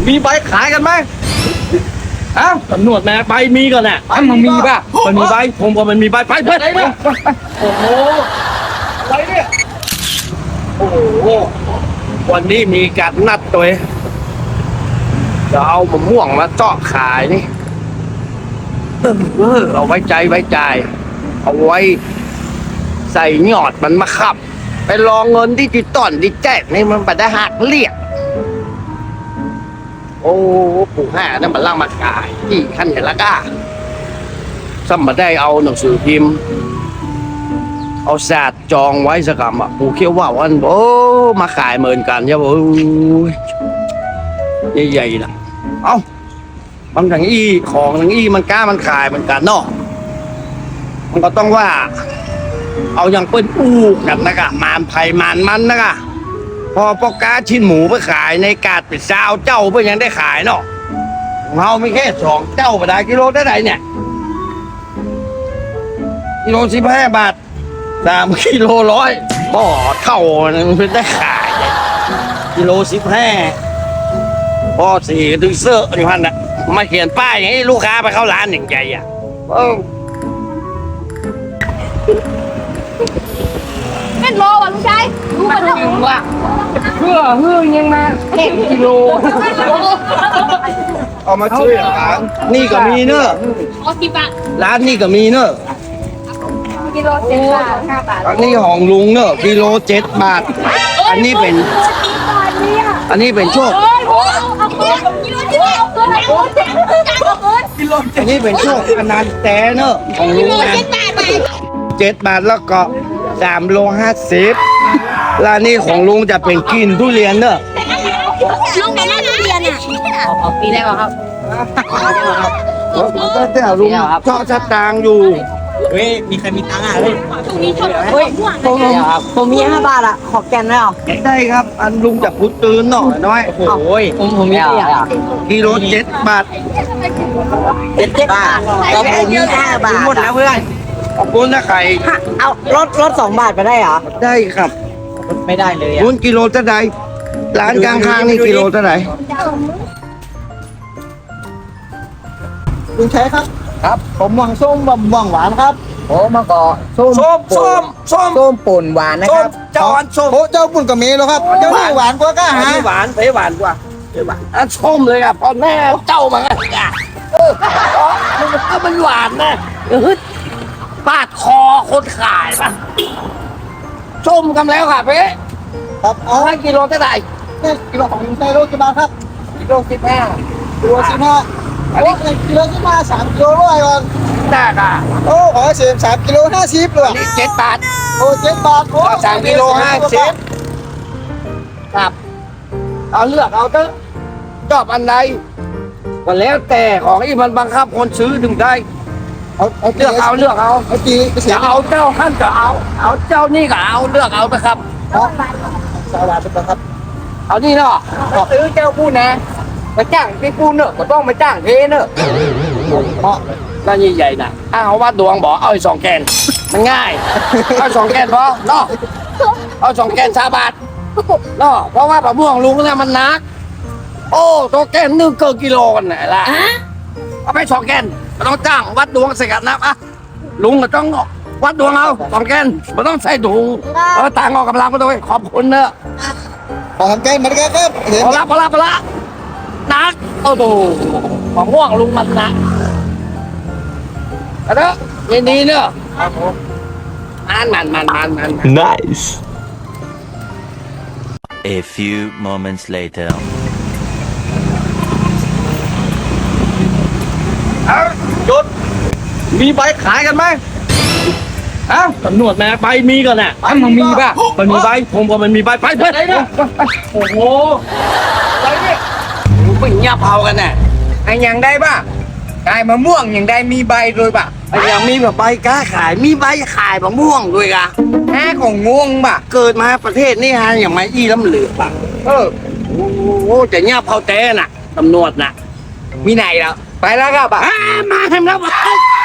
มีใบขายกันไหมอ้าวตำรวจมาใบมีก่อนน่ะมันมีป่ะมันมีใบผมก็มันมีใบไปเพื่อนโอ้โหอะไรเนี่ยโอ้โหวันนี้มีการนัดตัวจะเอามะม่วงมาเจาะขายนี่เอาไว้ใจเอาไว้ใส่หยอดมันมาขับไปรองเงินที่ติดต้นที่แจกนี่มันไปได้หักเรียกโอ้ปู่ห้านั่นมันล่างมากายที่ขั้นเห็นละก้าซ้ำมาได้เอาหนังสือพิมพ์เอาศาสตร์จองไว้สักคำอ่ะปู่เขียวว่าวันโอ้มาขายเหมือนกันใช่ป่ะใหญ่ๆนะเอ้าบางอย่างของอย่างมันกล้ามันขายเหมือนกันเนาะมันก็ต้องว่าเอาอย่างเปิ้ลอูกันนะกะมานไผ่มานมันนะกะพอปอกาชิ้นหมูไปขายในกาดปิดซาวเจ้าเพื่อยังได้ขายเนาะของเราไม่แค่2 เจ้าไปได้กิโลได้ไหนเนี่ยกิโล15 บาท3 กิโล100บ่อเท่ามันเป็นได้ขายกิโล15พ่อ4ถึงเสื้ออยู่พันน่ะมาเขียนป้ายอย่างนี้ลูกค้าไปเข้าร้านอย่างใจอ่ะเป็นโลว่ะลุงชายดูมันเถอะเพื่อยังมากิโลเอามาช่วยร้านนี่ก็มีเนอะร้านนี่ก็มีเนอะกิโล7 บาท 5 บาทอันนี้ของลุงเนอะกิโล7 บาทอันนี้เป็นโชคอันนี้เป็นโชคอนันต์แต่เนอะของลุงนะ7 บาทแล้วก็3 โล 50ร้านนี้ของลุงจะเป็นกินทุเรียนเนอะลุงเป็นนักเรียนอ่ะปีได้ป่ะครับแต่ลุงชอบสตางค์อยู่เฮ้ย มีใครมีตังค์อ่ะเฮ้ยเฮ้ยผมมี5 บาทอ่ะขอแกนได้หรอได้ครับอันลุงจะพุดตื่นหน่อยน้อยโอ้ยผมมีกิโล7 บาท 7 บาทแล้วผมมี5 บาทหมดแล้วเพื่อนขอบคุณนะไข่เอารถ2 บาทไปได้เหรอได้ครับไม่ได้เลยอ่ะคุณกิโลเท่าไหร่ร้านกลางทางนี่กิโลเท่าไหร่ลุงใช้ครับครับผมหวังส้มหวังหวานครับโอ้มาก่อส้มป่นหวานนะครับเจ้าอันส้มโอ้เจ้าปุ่นกับเมแล้วครับเจ้านี่หวานกว่าก้าอันหานี้หวานหวานกว่าอันส้มเลยอ่ะพอแม่เจ้ามาอ่ะมันหวานนะปาดคอคนขายป่ะส้มกันแล้วค่ะเป๊ะครับเอาให้กิโลเท่าไหร่กิโลของลุงใช้โลกี่บาทครับกิโล15 กิโล15โอ้กิโล15 3 กิโลร้อยก่อนได้ค่ะโอ้ขอเสีย3 กิโล50เลยนี่7 บาทโอ้7 บาทโอ้ 3 กิโล50ครับเอาเลือกเอาเถอะชอบอันใดก็แล้วแต่ของที่มันบังคับคนซื้อถึงได้เลือกเอาเอาตีไปเสียจะเอาเจ้าขั้นก็เอาเจ้านี่ก็เอาเลือกเอาไปครับสวัสดีครับเอานี่เนาะซื้อเจ้าพูดนะมาจ้างพี่พูดเนอะก็ต้องมาจ้างเทเนอะเพราะร้านใหญ่ๆน่ะเอาวัดดวงบอกเอา2 แกนมันง่ายเอา2 แกนพอเนาะเอา2 แกน3 บาทเนาะเพราะว่าปลาม่วงลุงเนี่ยมันหนักโอ้ตัวแกน1 เกินกิโลกันไหนล่ะเอาไป2 แกนไม่ต้องจ้างวัดดวงใส่กันนะอ่ะลุงก็ต้องวัดดวงเอา2 แกนไม่ต้องใส่ถุงต่างออกกำลังมาด้วยขอบคุณเนอะขอทำแกงมาด้วยครับพอละนักโอ้โหมะม่วงลุงมันนะเอาเถอะยินดีเนอะมัน Nice. A few moments later. เอาหยุดมีใบขายกันไหมอ้าวตำรวจมาใบมีก่อนน่ะมันมีป่ะมันมีใบผมก็มันมีใบไปเพื่อนโอ้โหอะไรเนี่ยไม่เงียบเผากันน่ะไอ้ยังได้ป่ะไอ้มะม่วงยังได้มีใบด้วยป่ะไอ้ยังมีแบบใบกล้าขายมีใบขายมะม่วงด้วยกะแค่ของงงป่ะเกิดมาประเทศนี่ฮะอย่างไม้อี้ล้ำเหลือป่ะโอ้โหจะเงียบเผาแต่น่ะตำรวจน่ะมีไหนแล้วไปแล้วครับป่ะมาทำแล้วไป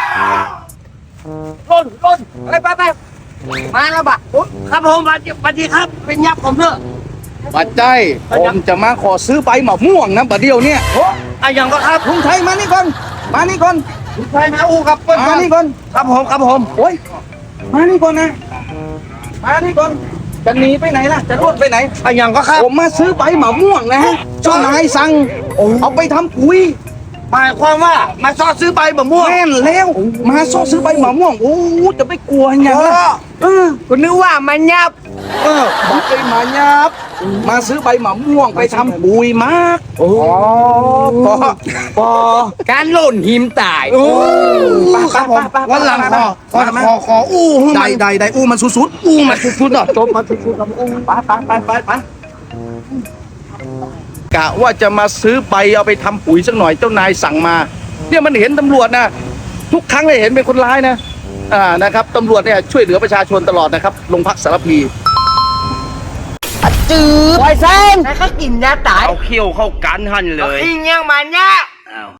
ล้นไปมาแล้วป่ะครับผมสวัสดีครับเป็นยับผมเถอะปัจจัยผมจะมาขอซื้อใบมะม่วงนะบัดเดียวเนี่ยไอ้ยังก็ครับลุงไทยมานี่ก่อนมานี่ก่อนใช่ไหมอูครับมานี่ก่อนครับผมโอ้ยมานี่ก่อนนะมานี่ก่อนจะหนีไปไหนล่ะจะรวดไปไหนไอ้ยังก็ครับผมมาซื้อใบมะม่วงนะฮะเจ้านายสั่งเอาไปทำปุ๋ยหมายความว่ามาซอซื้อใบมะม่วงแม่นแล้วมาซ่อซื้อใบมะม่วงโอ้จะไปกลัวอย่างล่ะกูนึกว่ามันยับบอกไปมายับมาซื้อใบมะม่วงไปทำปุ๋ยมากโอ้พอการหล่นหิมตายโอ้ไปวันหลังขออู้ได้อู้มันสุดๆอู้มันสุดๆอ่ะจบมาทุกๆกับอู้ไปกะว่าจะมาซื้อใบเอาไปทำปุ๋ยสักหน่อยเจ้านายสั่งมาเนี่ยมันเห็นตำรวจนะทุกครั้งเลยเห็นเป็นคนร้ายนะนะครับตำรวจเนี่ยช่วยเหลือประชาชนตลอดนะครับโรงพักสารพีจืดไวเซนแล้วก็กินยาตายเอาเขี้ยวเข้ากันหันเลยอิงยังมันเนี่ย